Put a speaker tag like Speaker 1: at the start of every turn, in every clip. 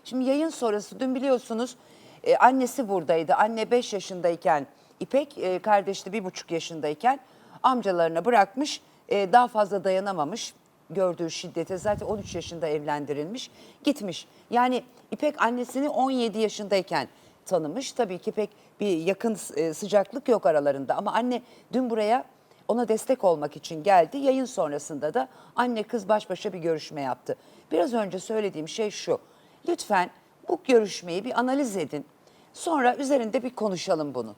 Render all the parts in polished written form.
Speaker 1: Şimdi yayın sonrası dün biliyorsunuz annesi buradaydı. Anne 5 yaşındayken İpek, kardeşi de 1,5 yaşındayken amcalarına bırakmış. Daha fazla dayanamamış gördüğü şiddete, zaten 13 yaşında evlendirilmiş, gitmiş. Yani İpek annesini 17 yaşındayken tanımış. Tabii ki pek bir yakın sıcaklık yok aralarında ama anne dün buraya ona destek olmak için geldi. Yayın sonrasında da anne kız baş başa bir görüşme yaptı. Biraz önce söylediğim şey şu: lütfen bu görüşmeyi bir analiz edin. Sonra üzerinde bir konuşalım bunu.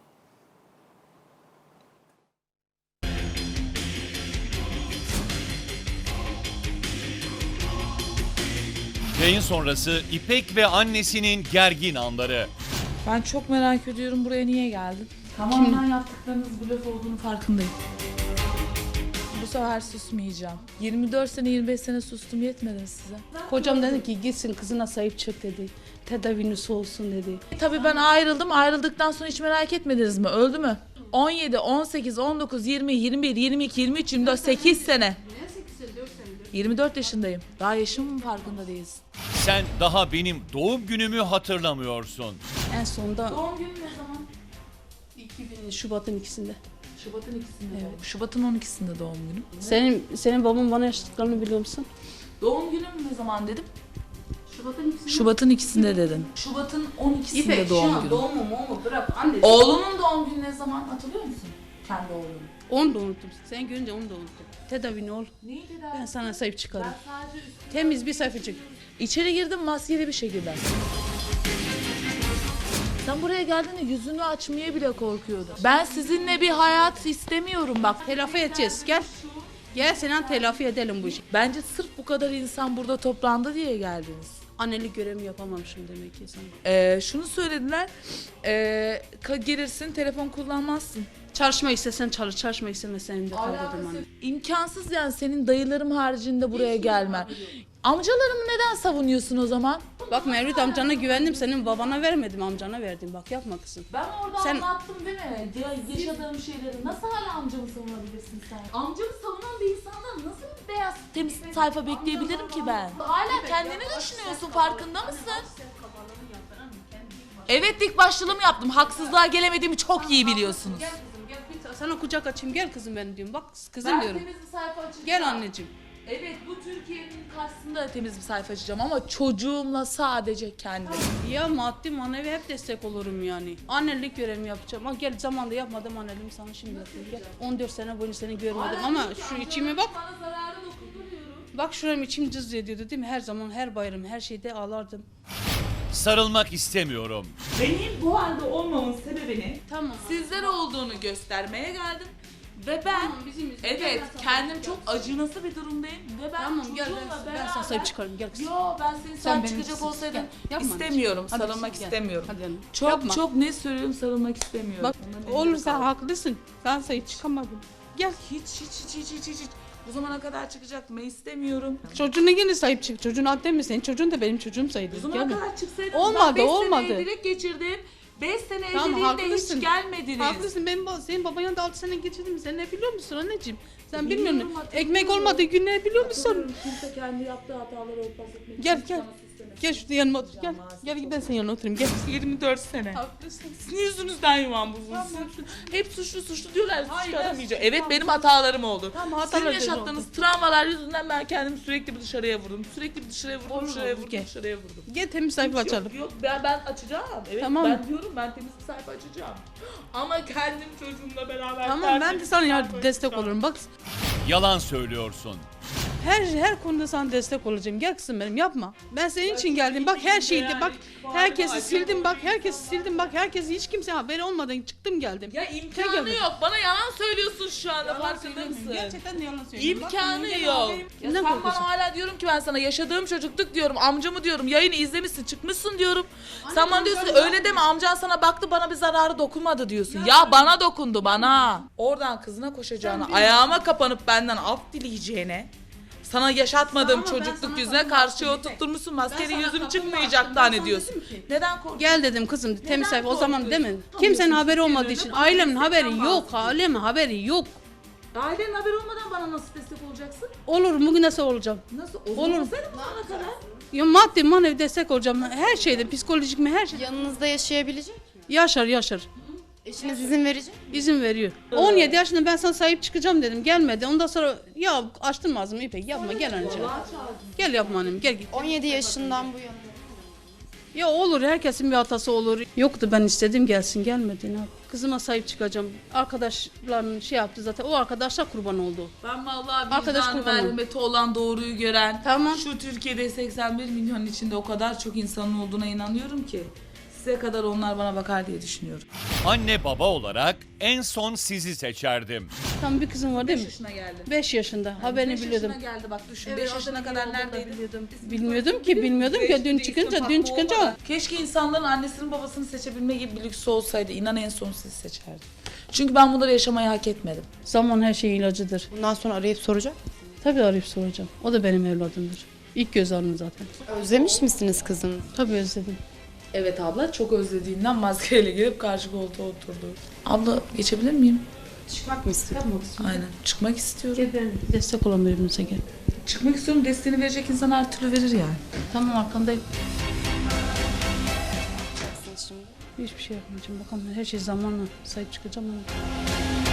Speaker 2: Yayın sonrası İpek ve annesinin gergin anları.
Speaker 3: Ben çok merak ediyorum, buraya niye geldin? Tamamen yaptıklarınız blöf olduğunu farkındayım. Bu sefer susmayacağım. 24 sene 25 sene sustum, yetmedi mi size?
Speaker 4: Kocam dedi ki gitsin kızına sahip çık dedi. Tedavisi olsun dedi.
Speaker 3: Tabii ben ayrıldım. Ayrıldıktan sonra hiç merak etmediniz mi? Öldü mü? 17, 18, 19, 20, 21, 22, 23, 24, 8 sene. 24 yaşındayım. Daha yaşımın farkında değilsin.
Speaker 2: Sen daha benim doğum günümü hatırlamıyorsun.
Speaker 4: En sonunda
Speaker 3: Doğum günü ne zaman?
Speaker 4: 2000 Şubat'ın ikisinde.
Speaker 3: Şubat'ın ikisinde. Evet. Şubat'ın 12'sinde doğum günüm.
Speaker 4: Senin baban bana yaşadıklarını biliyor musun?
Speaker 3: Doğum günüm ne zaman dedim?
Speaker 4: Şubat'ın ikisinde.
Speaker 3: Şubat'ın ikisinde dedin. Şubat'ın 12'sinde
Speaker 4: İpek
Speaker 3: doğum
Speaker 4: şu an
Speaker 3: günü.
Speaker 4: doğumu mu bırak anne.
Speaker 3: Oğlunun doğum günü ne zaman hatırlıyor musun? Kendi oğlunun.
Speaker 4: Onu da unuttum. Sen görünce onu da unuttum. Tedavini ol.
Speaker 3: Neydi
Speaker 4: Ben sana sahip çıkarım.
Speaker 3: sadece üstüne...
Speaker 4: Temiz bir sayfacık.
Speaker 3: İçeri girdim maskeli bir şekilde. Sen buraya geldiğinde yüzünü açmaya bile korkuyordun. Ben sizinle bir hayat istemiyorum bak.
Speaker 4: Telafi edeceğiz. Gel. Gel Sinan telafi edelim bu işi.
Speaker 3: Bence sırf bu kadar insan burada toplandı diye geldiniz.
Speaker 4: Annelik görevimi yapamamışım demek ki sana.
Speaker 3: Şunu söylediler. Gelirsin telefon kullanmazsın.
Speaker 4: Çalışma istesen çalış, çalışma istemesen de kal dedim anne.
Speaker 3: İmkansız yani senin dayılarım haricinde buraya gelmen. Amcalarımı neden savunuyorsun o zaman?
Speaker 4: Bak Mevlüt amcana güvendim, senin babana vermedim, amcana verdim. Bak yapma kızım.
Speaker 3: Ben orada
Speaker 4: Sen-
Speaker 3: anlattım değil mi? Yaşadığım şeyleri. Nasıl hala amcamı savunabilirsin sen? Amcamı savunan bir insandan nasıl bir beyaz temiz sayfa bekleyebilirim ki ben? Hala kendini düşünüyorsun, farkında mısın? Evet, dik başlılığımı yaptım. Haksızlığa gelemediğimi çok iyi biliyorsunuz.
Speaker 4: Gel kızım gel, bir sana kucak açayım, gel kızım benim diyorum. Bak kızım
Speaker 3: Ben
Speaker 4: diyorum.
Speaker 3: temiz bir sayfa açacağım.
Speaker 4: Gel anneciğim.
Speaker 3: Evet, bu Türkiye'nin karşısında da temiz bir sayfa açacağım ama çocuğumla sadece kendim.
Speaker 4: Ya maddi manevi hep destek olurum yani. Annelik görevimi yapacağım. Ama gel zamanda yapmadım anneliğimi sana şimdi yapayım. Gel. 14 sene boyunca seni görmedim ama şu içime bak.
Speaker 3: Bana zararı dokunduruyorum.
Speaker 4: Bak şuram içim cız ediyordu değil mi? Her zaman, her bayram, her şeyde ağlardım.
Speaker 2: Sarılmak istemiyorum.
Speaker 3: Benim bu halde olmamın sebebini
Speaker 4: Tamam.
Speaker 3: sizlere olduğunu göstermeye geldim. Ve ben
Speaker 4: Tamam, bizim yüzümüzden
Speaker 3: evet
Speaker 4: ben sana
Speaker 3: kendim
Speaker 4: sahip
Speaker 3: çok
Speaker 4: çıkarsın.
Speaker 3: acınası bir durumdayım ve ben
Speaker 4: Tamam gel
Speaker 3: çocuğumla
Speaker 4: ben sana sahip çıkarım, gel kızım.
Speaker 3: Yo, ben senin
Speaker 4: Sen
Speaker 3: sahip
Speaker 4: benim
Speaker 3: çıkacak
Speaker 4: kızım.
Speaker 3: olsaydım
Speaker 4: Gel, yapma
Speaker 3: istemiyorum,
Speaker 4: anneciğim. Hadi
Speaker 3: sarılmak
Speaker 4: kızım, gel.
Speaker 3: istemiyorum.
Speaker 4: Hadi canım.
Speaker 3: Çok
Speaker 4: Yapma.
Speaker 3: çok ne söylüyorum, sarılmak istemiyorum.
Speaker 4: Bak
Speaker 3: Ona
Speaker 4: oğlum
Speaker 3: benim
Speaker 4: sen
Speaker 3: sağ ol.
Speaker 4: haklısın. Ben sahip çıkamadım. Gel.
Speaker 3: Hiç. Bu zamana kadar çıkacaktım, ben istemiyorum.
Speaker 4: Çocuğuna yine sahip çık. Çocuğun adı mi senin? Çocuğun da benim çocuğum sayılır.
Speaker 3: Bu zamana
Speaker 4: Gel.
Speaker 3: kadar çıksaydınız
Speaker 4: Olmadı,
Speaker 3: ben 5
Speaker 4: olmadı.
Speaker 3: sene evlilik geçirdim. 5 sene
Speaker 4: Tamam,
Speaker 3: evliliğimde
Speaker 4: haklısın.
Speaker 3: hiç gelmediniz.
Speaker 4: Haklısın. Senin baban yanında 6 sene geçirdim. Sen ne biliyor musun anneciğim? Sen
Speaker 3: Biliyorum,
Speaker 4: bilmiyorsun.
Speaker 3: hatırlıyorum.
Speaker 4: Ekmek olmadığı günleri biliyor musun?
Speaker 3: Kimse kendi yaptığı hataları örtbas etmek
Speaker 4: Gel
Speaker 3: için
Speaker 4: gel.
Speaker 3: bana süslemek
Speaker 4: Gel şurada yanıma otur. Gel. Gel ben senin yanına oturayım. Gel.
Speaker 3: 24 sene.
Speaker 4: Haklısın.
Speaker 3: Sizin yüzünüzden yuvam bozuldu. Hep suçlu diyorlar. Suç
Speaker 4: Hayır,
Speaker 3: çıkaramayacağım.
Speaker 4: ben-
Speaker 3: Evet,
Speaker 4: tamam,
Speaker 3: benim hatalarım oldu.
Speaker 4: Tamam,
Speaker 3: Sizin
Speaker 4: hatalar
Speaker 3: yaşattığınız travmalar yüzünden ben kendimi sürekli bir dışarıya vurdum. Sürekli bir dışarıya vurdum,
Speaker 4: Olur,
Speaker 3: dışarıya
Speaker 4: olur,
Speaker 3: vurdum,
Speaker 4: gel.
Speaker 3: dışarıya vurdum.
Speaker 4: Gel temiz sayfa açalım.
Speaker 3: Yok ben açacağım. Evet,
Speaker 4: Tamam.
Speaker 3: ben diyorum ben temiz bir sayfa açacağım. Ama kendim çocuğumla beraber
Speaker 4: Tamam ben de
Speaker 3: tertemiz
Speaker 4: sana
Speaker 3: bir
Speaker 4: yardım
Speaker 3: sayfa
Speaker 4: destek
Speaker 3: açacağım.
Speaker 4: olurum. Bak
Speaker 2: Yalan söylüyorsun.
Speaker 4: her konuda sana destek olacağım. Gel kızım benim yapma. Ben senin için geldim. Bak her şeyde bak. Herkesi sildim bak. Herkesi sildim bak. Herkesi hiç kimse haberi olmadan çıktım geldim.
Speaker 3: Ya
Speaker 4: Tek
Speaker 3: imkanı
Speaker 4: yapın.
Speaker 3: yok. Bana yalan söylüyorsun şu anda,
Speaker 4: Yalan
Speaker 3: farkında
Speaker 4: söylemiyorum.
Speaker 3: mısın?
Speaker 4: Gerçekten yalan söylüyorum. Bak,
Speaker 3: İmkanı
Speaker 4: benim
Speaker 3: yok.
Speaker 4: haberim-
Speaker 3: Ya
Speaker 4: Kimden
Speaker 3: sen
Speaker 4: korkuyorsun?
Speaker 3: bana hala diyorum ki ben sana yaşadığım çocukluk diyorum, amcamı diyorum, yayını izlemişsin, çıkmışsın diyorum. Sen bana diyorsun
Speaker 4: amcam
Speaker 3: öyle deme, amcan sana baktı, bana bir zararı dokunmadı diyorsun. Ya bana dokundu, bana. Oradan kızına koşacağına, ayağıma kapanıp benden af dileyeceğine, sana yaşatmadığım
Speaker 4: Ama ben
Speaker 3: çocukluk
Speaker 4: sana
Speaker 3: yüzüne
Speaker 4: kapılmadım
Speaker 3: karşı
Speaker 4: bir
Speaker 3: oturtturmuşsun,
Speaker 4: Ben
Speaker 3: maskeli
Speaker 4: sana
Speaker 3: yüzüm
Speaker 4: kapılmadım.
Speaker 3: çıkmayacak
Speaker 4: Ben
Speaker 3: tane
Speaker 4: sana
Speaker 3: diyorsun.
Speaker 4: dedim ki,
Speaker 3: Neden korkuyorsun?
Speaker 4: Gel dedim kızım temiz sayfa o zaman
Speaker 3: korkuyorsun?
Speaker 4: değil mi?
Speaker 3: Tamam,
Speaker 4: Kimsenin
Speaker 3: diyorsun,
Speaker 4: haberi olmadığı
Speaker 3: Türkiye'de
Speaker 4: için.
Speaker 3: bana
Speaker 4: Ailemin
Speaker 3: destekten
Speaker 4: haberi yok.
Speaker 3: bahsediyorsun.
Speaker 4: Ailemin haberi yok.
Speaker 3: Ailenin haberi olmadan bana nasıl destek olacaksın?
Speaker 4: Olur bugün nasıl olacağım?
Speaker 3: Nasıl?
Speaker 4: Olur.
Speaker 3: Olsaydı bu zamana kadar.
Speaker 4: Ya maddi manevi destek olacağım. Her şeyde psikolojik mi her şey.
Speaker 5: Yanınızda yaşayabilecek mi?
Speaker 4: Yaşar.
Speaker 5: Eşiniz izin verecek mi?
Speaker 4: İzin veriyor. 17 yaşında ben sana sahip çıkacağım dedim. Gelmedi. Ondan sonra ya açtın ağzımı İpek yapma gel anneciğim. Gel yapma annem gel git.
Speaker 5: 17 yaşından bu yana.
Speaker 4: Ya olur herkesin bir hatası olur. Yoktu ben istedim gelsin gelmedi. Ne yapayım? Kızıma sahip çıkacağım. Arkadaşların şey yaptı zaten. O arkadaşlar kurban oldu.
Speaker 3: Ben vallahi
Speaker 4: Arkadaş
Speaker 3: vicdan
Speaker 4: kurbanı.
Speaker 3: merhameti olan doğruyu gören,
Speaker 4: Tamam.
Speaker 3: şu Türkiye'de 81 milyon içinde o kadar çok insanın olduğuna inanıyorum ki size kadar onlar bana bakar diye düşünüyorum.
Speaker 2: Anne baba olarak en son sizi seçerdim.
Speaker 4: Tam bir kızım var değil
Speaker 3: 5
Speaker 4: mi?
Speaker 3: yaşına geldi.
Speaker 4: 5 yaşında. Haberini
Speaker 3: 5
Speaker 4: biliyordum.
Speaker 3: yaşına geldi bak düşün.
Speaker 4: Evet,
Speaker 3: 5 yaşına kadar
Speaker 4: adını yolda
Speaker 3: neredeydi?
Speaker 4: Bilmiyordum ki dün çıkınca.
Speaker 3: Keşke insanların annesinin babasını seçebilme gibi bir lüksü olsaydı. İnan en son sizi seçerdim. Çünkü ben bunları yaşamayı hak etmedim.
Speaker 4: Zaman her şeyin ilacıdır.
Speaker 5: Bundan sonra arayıp soracak.
Speaker 4: Tabii arayıp soracağım. O da benim evladımdır. İlk göz ağrım zaten.
Speaker 5: Özlemiş misiniz kızını?
Speaker 4: Tabii özledim.
Speaker 3: Evet abla çok özlediğinden maskeyle gelip karşı koltuğa oturdu. Abla geçebilir miyim?
Speaker 5: Çıkmak mı istiyorsun?
Speaker 3: Aynen. Çıkmak istiyorum.
Speaker 4: Gel ben destek olan birbirimize gel.
Speaker 3: Çıkmak istiyorum. Desteğini verecek insan her türlü verir yani.
Speaker 4: Tamam arkandayım.
Speaker 5: Şimdi.
Speaker 4: Hiçbir şey yapmayacağım. Bakalım her şey zamanla sahip çıkacağım ama.